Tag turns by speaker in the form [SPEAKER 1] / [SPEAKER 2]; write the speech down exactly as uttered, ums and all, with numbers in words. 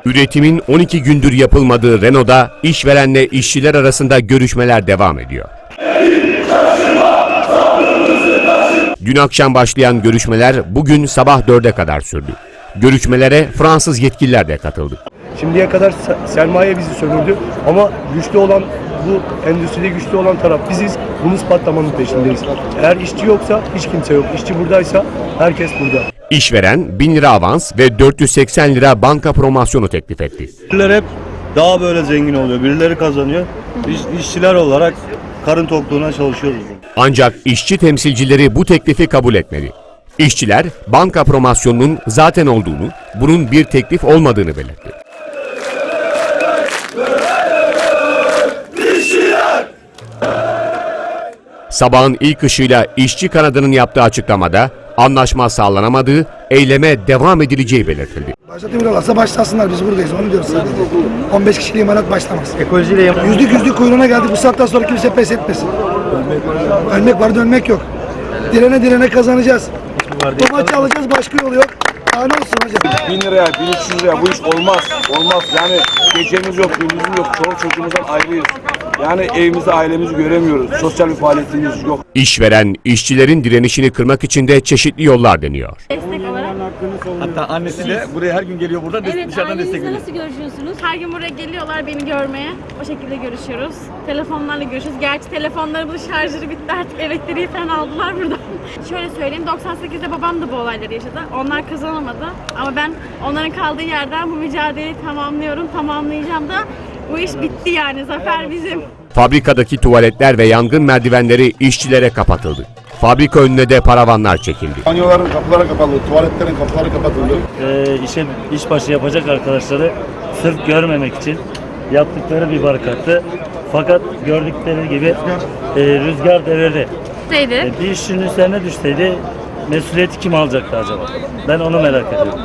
[SPEAKER 1] Üretimin on iki gündür yapılmadığı Renault'da işverenle işçiler arasında görüşmeler devam ediyor. Dün akşam başlayan görüşmeler bugün sabah dörde kadar sürdü. Görüşmelere Fransız yetkililer de katıldı.
[SPEAKER 2] Şimdiye kadar sermaye bizi sömürdü ama güçlü olan, bu endüstride güçlü olan taraf biziz. Bunu ispatlamanın peşindeyiz. Eğer işçi yoksa hiç kimse yok. İşçi buradaysa herkes burada.
[SPEAKER 1] İşveren bin lira avans ve dört yüz seksen lira banka promosyonu teklif etti.
[SPEAKER 3] Birileri hep daha böyle zengin oluyor. Birileri kazanıyor. Biz işçiler olarak karın tokluğuna çalışıyoruz.
[SPEAKER 1] Ancak işçi temsilcileri bu teklifi kabul etmedi. İşçiler banka promosyonunun zaten olduğunu, bunun bir teklif olmadığını belirtti. Sabahın ilk ışığıyla işçi kanadının yaptığı açıklamada anlaşma sağlanamadığı, eyleme devam edileceği belirtildi.
[SPEAKER 4] Başlatıyorlarsa başlasınlar, biz buradayız, onu diyoruz sadece. on beş kişilik imalat başlamaz.
[SPEAKER 3] Ekolojiyle
[SPEAKER 4] Yüzlük yüzlük kuyruğuna geldik, bu saatten sonra kimse pes etmesin. Ölmek var, dönmek yok. Direne direne kazanacağız. Bu maçı alacağız, başka yolu yok. Daha ne olsun hocam?
[SPEAKER 5] bin liraya, bin üç yüz liraya bu iş olmaz. Olmaz. Yani gecemiz yok, gündüzümüz yok. Çoluk çocuğumuzdan ayrıyız. Yani evimizi, ailemizi göremiyoruz. Sosyal bir faaliyetimiz yok.
[SPEAKER 1] İşveren, işçilerin direnişini kırmak için de çeşitli yollar deniyor.
[SPEAKER 6] Destek olarak.
[SPEAKER 7] Hatta annesi de buraya her gün geliyor, burada
[SPEAKER 6] Evet,
[SPEAKER 7] dışarıdan destek
[SPEAKER 6] ailenizle
[SPEAKER 7] veriyor.
[SPEAKER 6] nasıl görüşüyorsunuz? Her gün buraya geliyorlar beni görmeye. O şekilde görüşüyoruz. Telefonlarla görüşüyoruz. Gerçi telefonlarımızın şarjları bitti, artık elektriği falan aldılar buradan. Şöyle söyleyeyim, doksan sekizde babam da bu olayları yaşadı. Onlar kazanamadı. Ama ben onların kaldığı yerden bu mücadeleyi tamamlıyorum, tamamlayacağım da. Bu iş bitti yani, zafer bizim.
[SPEAKER 1] Fabrikadaki tuvaletler ve yangın merdivenleri işçilere kapatıldı. Fabrika önüne de paravanlar çekildi.
[SPEAKER 8] Banyoların kapıları kapalı, tuvaletlerin kapıları kapatıldı.
[SPEAKER 9] Ee, işe işbaşı yapacak arkadaşları sırf görmemek için yaptıkları bir barikattı. Fakat gördükleri gibi e, rüzgar devirdi.
[SPEAKER 6] Neydi?
[SPEAKER 9] E, bir işçinin üzerine düşseydi mesuliyeti kim alacaktı acaba? Ben onu merak ediyorum.